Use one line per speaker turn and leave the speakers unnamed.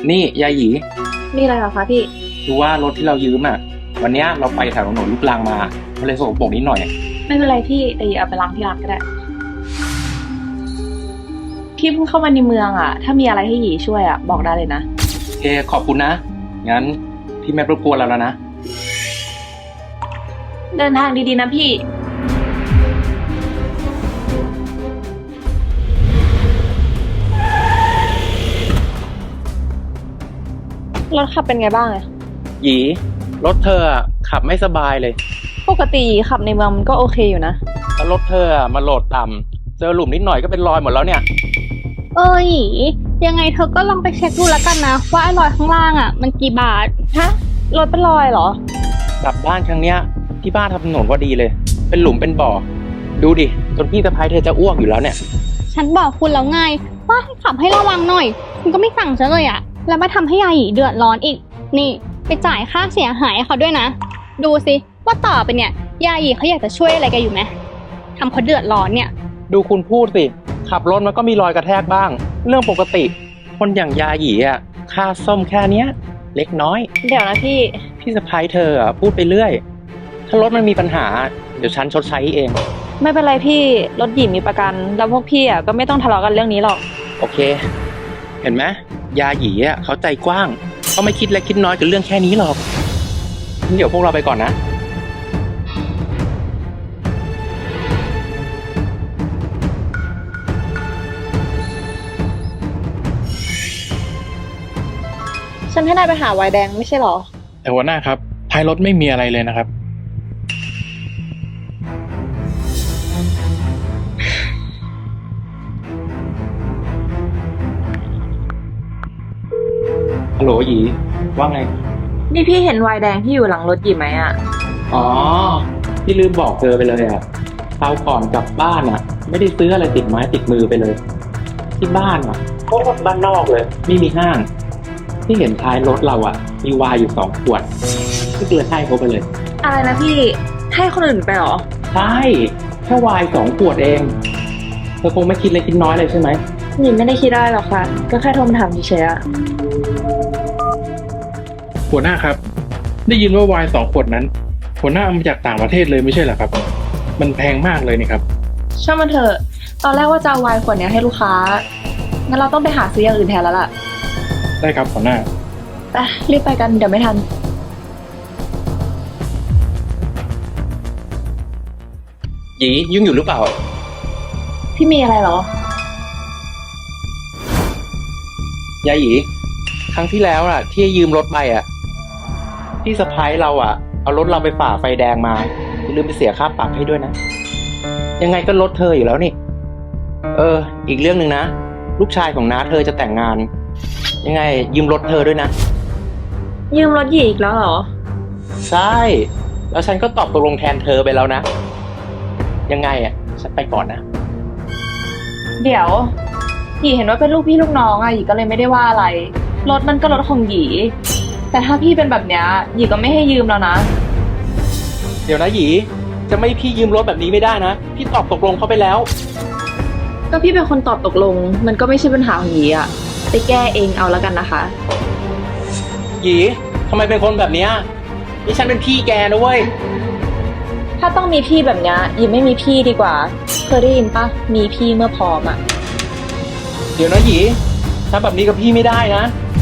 นี่ยายหยี
มีอะไรเหรอคะพี่
ดูว่ารถที่เรายืมอ่ะวันเนี้ยเราไปแถวถนนลูกรังมามันเลยสกปรกนิดหน่อย
ไม่เป็นไรพี่แต่อย่าเอาไปล้างที่ร้านก็ได้พี่เพิ่งเข้ามาในเมืองอ่ะถ้ามีอะไรให้หยีช่วยอ่ะบอกได้เลยนะ
โอเคขอบคุณนะงั้นพี่ไม่รบกวนเราแล้วนะ
เดินทางดีๆนะพี่รถขับเป็นไงบ้างอะ
หยีรถเธออะขับไม่สบายเลย
ปกติหยีขับในเมืองมันก็โอเคอยู่นะ
แล้วรถเธออะมาโหลดต่ำเจอหลุมนิดหน่อยก็เป็นรอยหมดแล้วเนี่ย
หยียังไงเธอก็ลองไปเช็คดูแล้วกันนะว่าไอ้รอยข้างล่างอ่ะมันกี่บาท
ฮะรถเป็นรอยเหรอก
ลับบ้านครั้งเนี้ยที่บ้านทำถนนพอดีเลยเป็นหลุมเป็นบ่อดูดิจนพี่สะพ้ายเธอจะอ้วกอยู่แล้วเนี่ย
ฉันบอกคุณแล้วไงว่าให้ขับให้ระวังหน่อยคุณก็ไม่ฟังฉันเลยอ่ะแล้วมาทำให้ยายหยีเดือดร้อนอีกนี่ไปจ่ายค่าเสียหายให้เขาด้วยนะดูสิว่าต่อไปเนี่ยยายหยีเขาอยากจะช่วยอะไรแกอยู่ไหมทำเขาเดือดร้อนเนี่ย
ดูคุณพูดสิขับรถมันก็มีรอยกระแทกบ้างเรื่องปกติคนอย่างยาหยีอ่ะค่าซ่อมแค่เนี้ยเล็กน้อย
เดี๋ยวนะ
พี่สะพ้ายเธออ่ะพูดไปเรื่อยถ้ารถมันมีปัญหาเดี๋ยวฉันชดใช้เอง
ไม่เป็นไรพี่รถหยีมีประกันแล้วพวกพี่อ่ะก็ไม่ต้องทะเลาะกันเรื่องนี้หรอก
โอเคเห็นไหมยาหยีอ่ะเขาใจกว้างเขาไม่คิดเล็กคิดน้อยกับเรื่องแค่นี้หรอกงั้นเดี๋ยวพวกเราไปก่อนนะ
ฉันให้นายไปหาไวน์แดงไม่ใช่หรอ
แต่หัวหน้าครับท้ายรถไม่มีอะไรเลยนะครับ
ฮัลโหลหยีว่าไง
นี่พี่เห็นไวน์แดงที่อยู่หลังรถหยีไหมอ่ะ
อ๋อพี่ลืมบอกเธอไปเลยอ่ะคราวก่อนกลับบ้านอ่ะไม่ได้ซื้ออะไรติดไม้ติดมือไปเลยที่บ้านอ่ะโคตรบ้านนอกเลยไม่มีห้างที่เห็นท้ายรถเราอ่ะมีไวน์อยู่2 ขวดก็เลยให้เขาไปเลย
อะไรนะพี่ให้คนอื่นไปหรอ
ใช่แค่ไวน์2 ขวดเองเธอคงไม่คิดเล็กคิดน้อยเลยใช่ไหม
หยีไม่ได้คิดได้หรอกค่ะก็แค่โทรมาถามเฉยๆอะ
หัวหน้าครับได้ยินว่าไวน์2 ขวดนั้นหัวหน้าเอามาจากต่างประเทศเลยไม่ใช่เหรอครับมันแพงมากเลยนี่ครับ
ช่างมันเถอะตอนแรกว่าจะเอาไวน์ขวดนี้ให้ลูกค้างั้นเราต้องไปหาซื้ออย่างอื่นแทนแล้วล่ะ
ได้ครับหัวหน้า
ไปรีบไปกันเดี๋ยวไม่ทัน
หยียุ่งอยู่หรือเปล่า
พี่มีอะไรเหรอย
ายหยีครั้งที่แล้วอ่ะที่ยืมรถไปอ่ะพี่สะพ้ายเราอ่ะเอารถเราไปฝ่าไฟแดงมาอย่าลืมไปเสียค่าปรับให้ด้วยนะยังไงก็รถเธออยู่แล้วนี่อีกเรื่องหนึ่งนะลูกชายของน้าเธอจะแต่งงานยังไงยืมรถเธอด้วยนะ
ยืมรถหยีอีกแล้วเหรอ
ใช่แล้วฉันก็ตอบตกลงแทนเธอไปแล้วนะยังไงอ่ะฉันไปก่อนนะ
เดี๋ยวหยีเห็นว่าเป็นลูกพี่ลูกน้องอะหยีก็เลยไม่ได้ว่าอะไรรถมันก็รถของหยีแต่ถ้าพี่เป็นแบบเนี้ยหยีก็ไม่ให้ยืมแล้วนะ
เดี๋ยวนะหยีจะไม่พี่ยืมรถแบบนี้ไม่ได้นะพี่ตอบตกลงเขาไปแล้ว
ก็พี่เป็นคนตอบตกลงมันก็ไม่ใช่ปัญหาของหยีอะไปแก้เองเอาแล้วกันนะคะ
หยีทำไมเป็นคนแบบเนี้ยนี่ฉันเป็นพี่แกนะเว้ย
ถ้าต้องมีพี่แบบเนี้ยหยีไม่มีพี่ดีกว่าเคยได้ยินปะมีพี่เมื่อพร้อมอะ
เดี๋ยวนะหยีถ้าแบบนี้กับพี่ไม่ได้นะ